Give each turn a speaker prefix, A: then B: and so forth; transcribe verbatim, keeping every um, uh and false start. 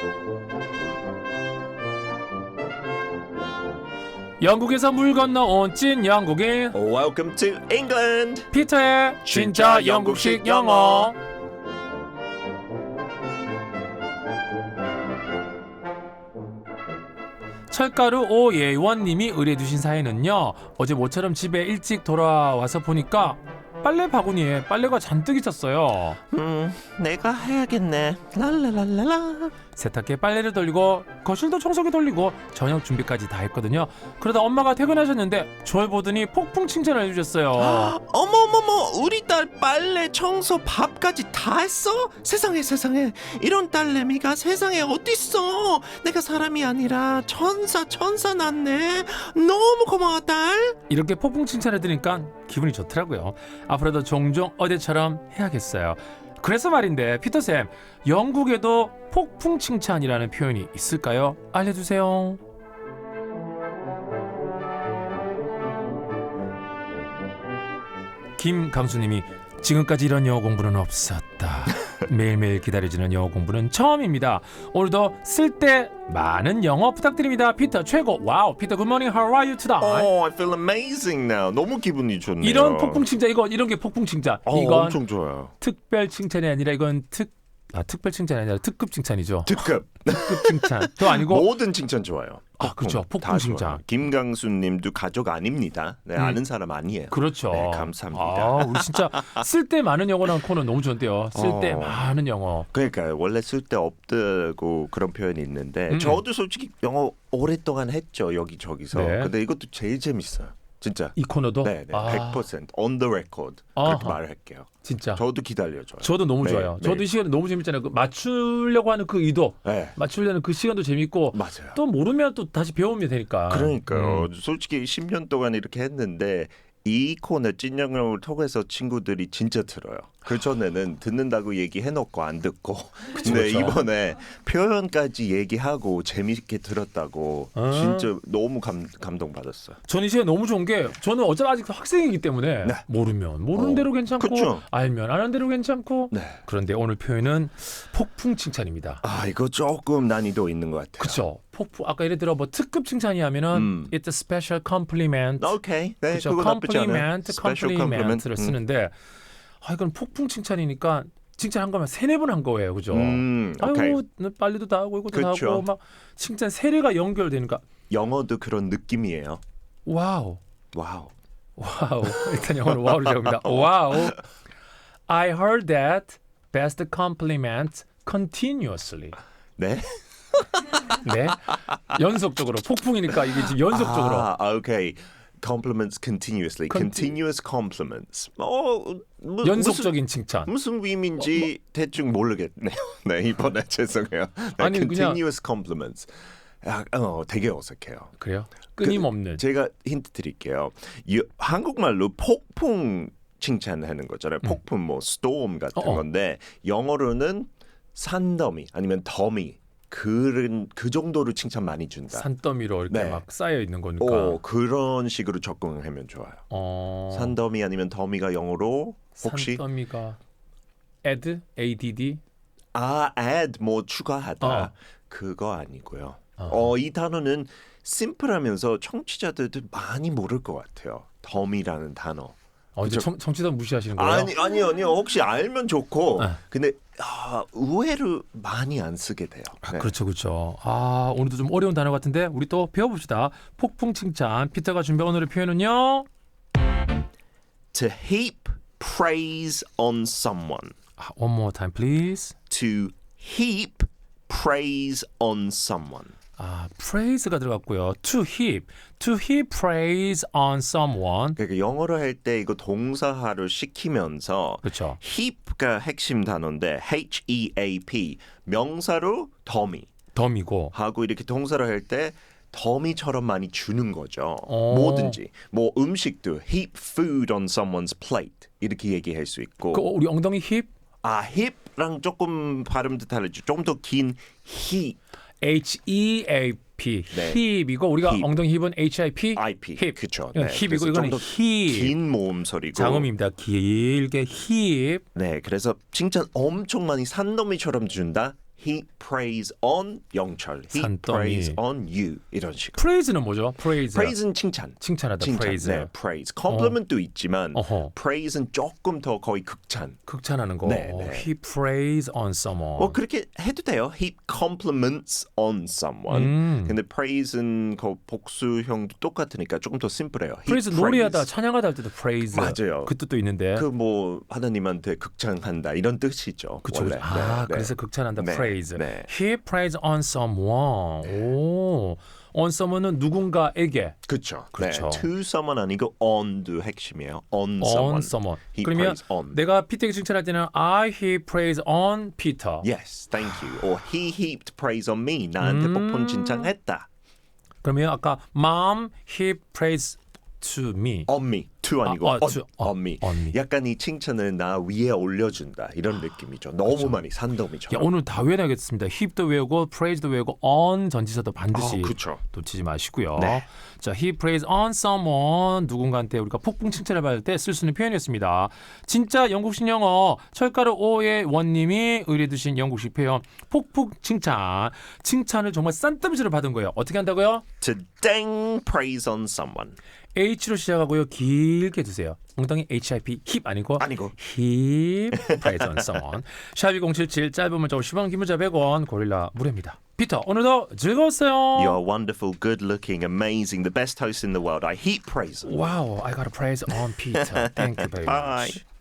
A: 영국에서 물 건너온 찐 영국인
B: Welcome to England.
A: 피터의 진짜
B: 진짜
A: 영국식
B: 영국식
A: 영어. 철가루 오예원님이 의뢰주신 사연은요, 어제 모처럼 집에 일찍 돌아와서 보니까 빨래 바구니에 빨래가 잔뜩 있었어요.
B: 음, 내가 해야겠네. 랄랄랄랄라.
A: 세탁기에 빨래를 돌리고 거실도 청소기 돌리고 저녁 준비까지 다 했거든요. 그러다 엄마가 퇴근하셨는데 저를 보더니 폭풍 칭찬을 해주셨어요.
B: 어머머머, 우리 딸 빨래, 청소, 밥까지 다 했어? 세상에 세상에, 이런 딸내미가 세상에 어딨어? 내가 사람이 아니라 천사 천사 났네. 너무 고마워 딸.
A: 이렇게 폭풍 칭찬을 들으니까 기분이 좋더라고요. 앞으로도 종종 어제처럼 해야겠어요. 그래서 말인데 피터쌤, 영국에도 폭풍 칭찬이라는 표현이 있을까요? 알려주세요. 김강수님이 지금까지 이런 영어 공부는 없었다. 매일매일 기다려지는 영어 공부는 처음입니다. 오늘도 쓸데 많은 영어 부탁드립니다. 피터 최고. 와우. 피터 good morning. How are you today?
B: Oh, I feel amazing now. 너무 기분이 좋네요.
A: 이런 폭풍 칭찬, 이거 이런 게 폭풍 칭찬.
B: 어,
A: 이건
B: 엄청 좋아요.
A: 특별 칭찬이 아니라 이건 특 아, 특별 칭찬이 아니라 특급 칭찬이죠.
B: 특급.
A: 특급 칭찬. 또 아니고
B: 모든 칭찬 좋아요.
A: 아, 그렇죠. 폭풍
B: 다
A: 칭찬.
B: 좋아요. 김강수님도 가족 아닙니다. 네,
A: 음.
B: 아는 사람 아니에요.
A: 그렇죠.
B: 네, 감사합니다.
A: 아, 우리 진짜 쓸데 많은 영어라는 코너 너무 좋은데요. 쓸데
B: 어.
A: 많은 영어.
B: 그러니까요. 원래 쓸데 없다고 그런 표현이 있는데
A: 음.
B: 저도 솔직히 영어 오랫동안 했죠. 여기저기서.
A: 네.
B: 근데 이것도 제일 재밌어요. 진짜.
A: 이 코너도
B: 네, 네.
A: 아,
B: 백 퍼센트 on the record.
A: 아하.
B: 그렇게 말할게요.
A: 진짜.
B: 저도 기다려줘요.
A: 저도 너무
B: 네,
A: 좋아요.
B: 네.
A: 저도 이 시간에 너무 재밌잖아요. 그 맞추려고 하는 그 의도,
B: 네.
A: 맞추려는 그 시간도 재밌고
B: 맞아요.
A: 또 모르면 또 다시 배우면 되니까.
B: 그러니까요.
A: 음.
B: 솔직히 십 년 동안 이렇게 했는데 이 코너 찐영어를 통해서 친구들이 진짜 들어요. 그 전에는 듣는다고 얘기해놓고 안 듣고, 근데
A: 그쵸.
B: 이번에 표현까지 얘기하고 재밌게 들었다고
A: 아.
B: 진짜 너무 감, 감동받았어요.
A: 저는 이 시간 너무 좋은 게 저는 어차피 아직 학생이기 때문에
B: 네.
A: 모르면 모르는
B: 어,
A: 대로 괜찮고
B: 그쵸.
A: 알면 아는 대로 괜찮고.
B: 네.
A: 그런데 오늘 표현은 폭풍 칭찬입니다.
B: 아 이거 조금 난이도 있는 것 같아요.
A: 그렇죠. 폭풍 아까 예를 들어 뭐 특급 칭찬이 하면은
B: 음.
A: it's a special compliment.
B: 오케이. 네,
A: 그렇죠.
B: 그거 나쁘지 않아요.
A: compliment,
B: Special
A: compliment를
B: compliment. 음.
A: 쓰는데 아 이건 폭풍 칭찬이니까 칭찬한 거면 세네 번 한 거예요, 그죠?
B: 음, 오케이.
A: 아이고 너 빨리도 다 하고 이것도 다
B: 그쵸.
A: 하고 막 칭찬 세례가 연결되니까
B: 영어도 그런 느낌이에요.
A: 와우,
B: 와우.
A: 와우. 일단 영어로 와우를 적습니다. 와우. I heard that best compliment continuously.
B: 네?
A: 네, 연속적으로 폭풍이니까 이게 지금 연속적으로.
B: 아, 오케이. Compliments continuously.
A: Con-
B: Continuous compliments. 어, 뭐,
A: 연속적인 칭찬.
B: 무슨, 무슨 의미인지 대충 모르겠네요. 네, 이번에 죄송해요. 네,
A: 아니, 그냥-
B: continuous compliments. 아, 어, 되게 어색해요.
A: 그래요? 끊임없는.
B: 제가 힌트 드릴게요. 이, 한국말로 폭풍 칭찬하는 거잖아요. 폭풍 뭐 storm 같은
A: 어어.
B: 건데 영어로는 산더미 아니면 더미 그런 그 정도로 칭찬 많이 준다.
A: 산더미로 이렇게
B: 네.
A: 막 쌓여 있는 거니까.
B: 오, 그런 식으로 접근하면 좋아요.
A: 어.
B: 산더미 아니면 더미가 영어로 혹시
A: 산더미가 add, add.
B: 아, add 뭐 추가하다.
A: 어.
B: 그거 아니고요.
A: 어.
B: 어, 이 단어는 심플하면서 청취자들도 많이 모를 것 같아요. 더미라는 단어.
A: 어, 이제
B: 그쵸.
A: 청, 청취자 무시하시는 거예요?
B: 아니 아니요 아니요 혹시 알면 좋고
A: 네.
B: 근데 아, 의외로 많이 안 쓰게 돼요. 네.
A: 그렇죠, 그렇죠. 아, 오늘도 좀 어려운 단어 같은데 우리 또 배워봅시다. 폭풍 칭찬. 피터가 준비한 오늘의 표현은요.
B: To heap praise on someone.
A: 아, one more time, please.
B: To heap praise on someone.
A: 아, praise가 들어갔고요. To heap, to heap praise on someone.
B: 그러니까 영어로 할 때 이거 동사화를 시키면서
A: 그렇죠.
B: heap가 핵심 단어인데 H E A P 명사로 더미
A: 덤이고.
B: 하고 이렇게 동사를 할 때 더미처럼 많이 주는 거죠.
A: 어.
B: 뭐든지 뭐 음식도 heap food on someone's plate 이렇게 얘기할 수 있고
A: 그 우리 엉덩이 힙,
B: 아 heap랑 조금 발음도 다르죠. 좀 더 긴 heap
A: H E A P,
B: 네.
A: 힙이고 우리가
B: 힙.
A: 엉덩이 힙은 H I P,
B: I P
A: 힙.
B: 그렇죠.
A: 이건 힙이고 이거는 힙.
B: 긴 모음 소리고
A: 장음입니다. 길게 힙.
B: 네, 그래서 칭찬 엄청 많이 산더미처럼 준다. heap praise on 영철, heap
A: 산더미.
B: praise on you 이런 식으로.
A: praise는 뭐죠? praise.
B: praise는 칭찬.
A: 칭찬하다.
B: 칭찬.
A: praise.
B: 네, praise. compliment도 있지만
A: 어허.
B: praise는 조금 더 거의 극찬.
A: 극찬하는 거.
B: 네, 네.
A: He praise on someone.
B: 뭐 그렇게 해도 돼요. heap compliments on someone.
A: 음.
B: 근데 praise는 그 복수형도 똑같으니까 조금 더 심플해요. heap
A: praise 노래하다 찬양하다 할 때도 praise.
B: 맞아요.
A: 그 뜻도 있는데.
B: 그 뭐 하나님한테 극찬한다 이런 뜻이죠.
A: 그쵸,
B: 원래.
A: 그쵸. 아,
B: 네,
A: 그래서
B: 네.
A: 극찬한다.
B: 네,
A: praise.
B: 네.
A: He praise on someone. 오. on someone은 누군가에게.
B: 그렇죠.
A: 그렇죠.
B: 네, to someone 아니고 on도 핵심이에요. on someone.
A: on someone.
B: He
A: 그러면
B: praise on.
A: 내가 피터에게 칭찬할 때는 I he praise on Peter.
B: Yes, thank you. Or he heaped praise on me. 나한테
A: 음.
B: 폭풍 칭찬했다.
A: 그러면 아까 mom he praise to me.
B: On me. to 아니고
A: 아, 어,
B: on,
A: to,
B: on
A: 어,
B: me.
A: on me.
B: 약간 이 칭찬을 나 위에 올려준다 이런 느낌이죠. 너무 많이
A: 야,
B: 산더미처럼.
A: 오늘 다 외워야겠습니다. heap도 외우고 praise도 외우고 on 전지사도 반드시
B: 아, 그쵸.
A: 놓치지 마시고요.
B: 네.
A: 자, he praise on someone 누군가한테 우리가 폭풍 칭찬을 받을 때 쓸 수 있는 표현이었습니다. 진짜 영국식 영어 철가루 오의 원님이 의뢰두신 영국식 표현 폭풍 칭찬. 칭찬을 정말 싼더미처럼 받은 거예요. 어떻게 한다고요?
B: To dang praise on someone.
A: H로 시작하고요. 길게 두세요. 엉덩이 hip, 힙 아니고
B: 아니고.
A: 힙 praise on someone. 샵이 공칠칠 짧은 문자 오십 원 긴 문자 백 원 고릴라 무료입니다. 피터 오늘도 즐거웠어요.
B: You are wonderful, good-looking, amazing, the best host in the world. I heap praise.
A: Wow, I got a praise on Peter. Thank you very
B: Bye.
A: much.